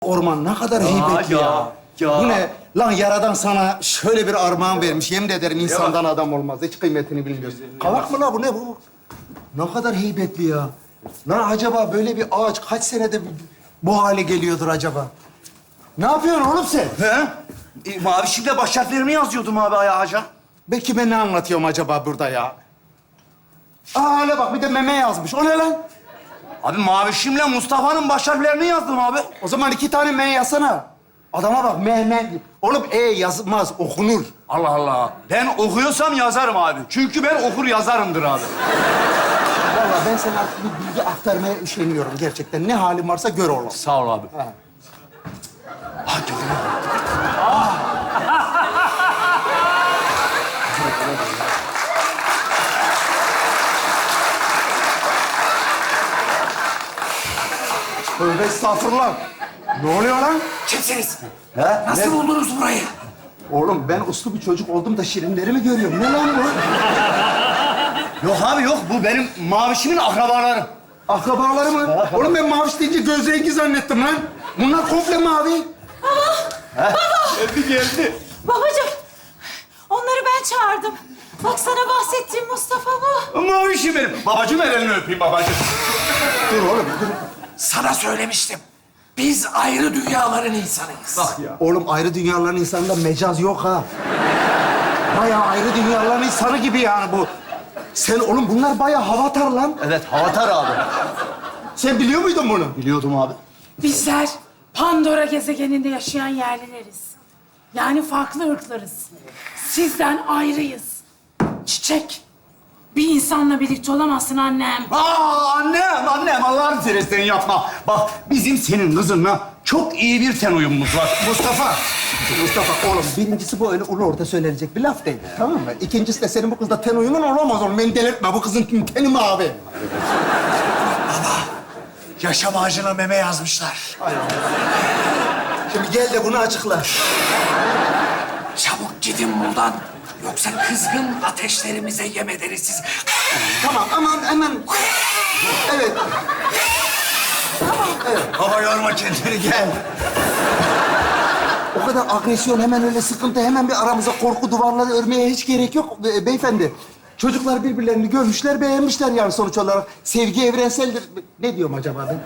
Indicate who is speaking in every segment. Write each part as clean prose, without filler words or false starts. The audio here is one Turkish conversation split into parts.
Speaker 1: Orman ne kadar heybetli ya. Bu ne? Lan Yaradan sana şöyle bir armağan vermiş. Yemin ederim insandan adam olmaz. Hiç kıymetini bilmiyorsun. Kavak mı la bu ne bu? Ne kadar heybetli ya. Lan acaba böyle bir ağaç kaç senede bu hale geliyordur acaba? Ne yapıyorsun oğlum sen?
Speaker 2: He? Mavişimle baş harflerimi yazıyordum abi ağaca.
Speaker 1: Belki ben ne anlatıyorum acaba burada ya? Aa hele bak bir de meme yazmış. O ne lan?
Speaker 2: Abi Mavişimle Mustafa'nın baş harflerini yazdım abi.
Speaker 1: O zaman 2 tane me yazsana. Adama bak me. Oğlum yazmaz, okunur.
Speaker 2: Allah Allah. Ben okuyorsam yazarım abi. Çünkü ben okur yazarımdır abi.
Speaker 1: Vallahi ben sana artık bir bilgi aktarmaya üşeniyorum gerçekten. Ne halin varsa gör oğlum.
Speaker 2: Sağ ol abi.
Speaker 1: Ha. Tövbe estağfurullah. Ne oluyor lan?
Speaker 2: Kimsiniz?
Speaker 1: He?
Speaker 2: Nasıl
Speaker 1: Ne?
Speaker 2: buldunuz burayı?
Speaker 1: Oğlum ben uslu bir çocuk oldum da şirinleri mi görüyorum? Ne lan bu?
Speaker 2: Yok abi yok. Bu benim Mavişimin akrabaları.
Speaker 1: Akrabaları mı? Oğlum ben maviş deyince göz rengi zannettim lan. Bunlar komple mavi.
Speaker 2: Geldi.
Speaker 3: Babacığım, onları ben çağırdım. Bak sana bahsettiğim Mustafa bu.
Speaker 2: Mavişim benim. Babacığım elini öpeyim babacığım.
Speaker 1: Dur oğlum dur.
Speaker 4: Sana söylemiştim. Biz ayrı dünyaların insanıyız.
Speaker 2: Bak ya.
Speaker 1: Oğlum ayrı dünyaların insanında mecaz yok ha. Bayağı ayrı dünyaların insanı gibi yani bu. Sen oğlum bunlar bayağı havatar lan.
Speaker 2: Evet Havatar abi.
Speaker 1: Sen biliyor muydun bunu?
Speaker 2: Biliyordum abi.
Speaker 3: Bizler Pandora gezegeninde yaşayan yerlileriz. Yani farklı ırklarız. Sizden ayrıyız. Çiçek, bir insanla birlikte olamazsın annem.
Speaker 2: Aa annem Allah'ını seversen yapma. Bak bizim senin kızınla çok iyi bir ten uyumumuz var.
Speaker 1: Mustafa oğlum birincisi bu öyle ulu orta söylenecek bir laf değil. Tamam mı? İkincisi de senin bu kızla ten uyumun olamaz oğlum. Beni delirtme. Bu kızın teni mavi.
Speaker 4: Yaşam ağacına meme yazmışlar.
Speaker 1: Şimdi gel de bunu açıkla.
Speaker 4: Çabuk gidin buradan. Yoksa kızgın ateşlerimize yem ederiz siz.
Speaker 1: Tamam aman hemen. Evet.
Speaker 2: Hava yorma kendini gel.
Speaker 1: O kadar agresyon, hemen öyle sıkıntı, hemen bir aramıza korku duvarları örmeye hiç gerek yok beyefendi. Çocuklar birbirlerini görmüşler, beğenmişler yani sonuç olarak. Sevgi evrenseldir. Ne diyorum acaba ben?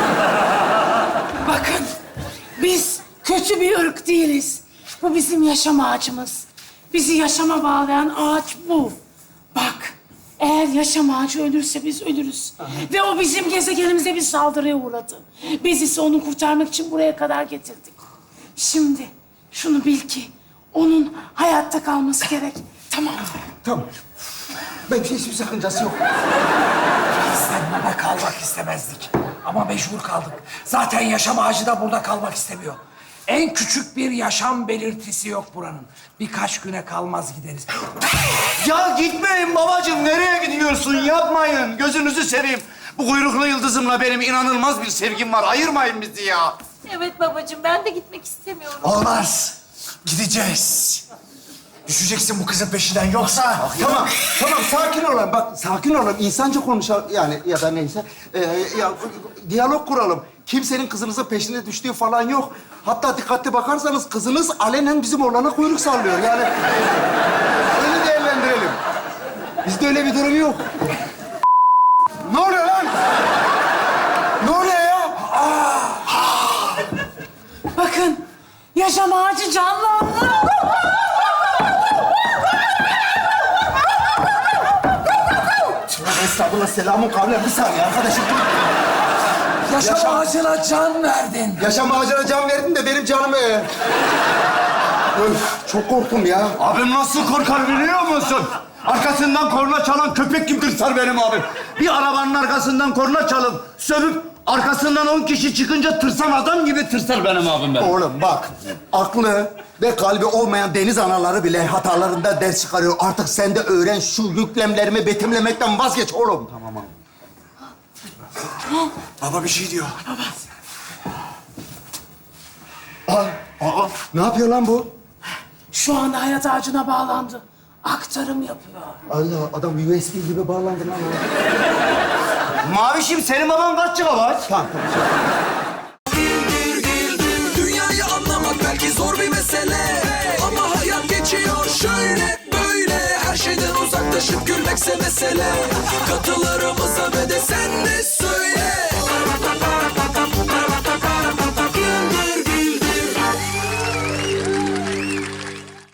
Speaker 3: Bakın, biz kötü bir ırk değiliz. Bu bizim yaşam ağacımız. Bizi yaşama bağlayan ağaç bu. Bak, eğer yaşam ağacı ölürse biz ölürüz. Ve o bizim gezegenimize bir saldırıya uğradı. Biz ise onu kurtarmak için buraya kadar getirdik. Şimdi şunu bil ki onun hayatta kalması gerek. Tamam mı?
Speaker 1: Tamam. Ben hiçbir sakıncası yok.
Speaker 4: Bizden burada kalmak istemezdik. Ama mecbur kaldık. Zaten yaşam ağacı da burada kalmak istemiyor. En küçük bir yaşam belirtisi yok buranın. Birkaç güne kalmaz gideriz.
Speaker 2: Ya gitmeyin babacığım. Nereye gidiyorsun? Yapmayın. Gözünüzü seveyim. Bu kuyruklu yıldızımla benim inanılmaz bir sevgim var. Ayırmayın bizi ya.
Speaker 3: Evet babacığım, ben de gitmek istemiyorum.
Speaker 4: Olmaz. Gideceğiz. Düşeceksin bu kızın peşinden yoksa...
Speaker 1: Tamam sakin olun. Bak sakin olun. İnsanca konuşalım yani ya da neyse. Ya diyalog kuralım. Kimsenin kızınızın peşine düştüğü falan yok. Hatta dikkatli bakarsanız kızınız alenen bizim oğlana kuyruk sallıyor. Yani öyle değerlendirelim. Bizde öyle bir durum yok. Ne oluyor lan? Ne oluyor ya?
Speaker 3: Bakın, yaşam ağacı canlandı.
Speaker 1: Estağfurullah, selamun kavlen. Bir saniye arkadaşım.
Speaker 4: Yaşam ağacına can verdin.
Speaker 1: Yaşam ağacına can verdin de benim canım... Öf, çok korktum ya.
Speaker 2: Abim nasıl korkar biliyor musun? Arkasından korna çalan köpek gibi tırsar benim abim. Bir arabanın arkasından korna çalıp sövüp arkasından 10 kişi çıkınca tırsan adam gibi tırsar benim abim benim.
Speaker 1: Oğlum bak, aklı ve kalbi olmayan deniz anaları bile hatalarında ders çıkarıyor. Artık sen de öğren, şu yüklemlerimi betimlemekten vazgeç oğlum. Tamam abi.
Speaker 4: Baba bir şey diyor.
Speaker 1: Ne yapıyor lan bu?
Speaker 3: Şu anda hayat ağacına bağlandı. Aktarım yapıyor.
Speaker 1: Allah, adam USB gibi bağlandı lan.
Speaker 2: Mavişim senin baban kaç GB?
Speaker 1: Tamam.
Speaker 5: mesele. Katılarımıza ve de sen de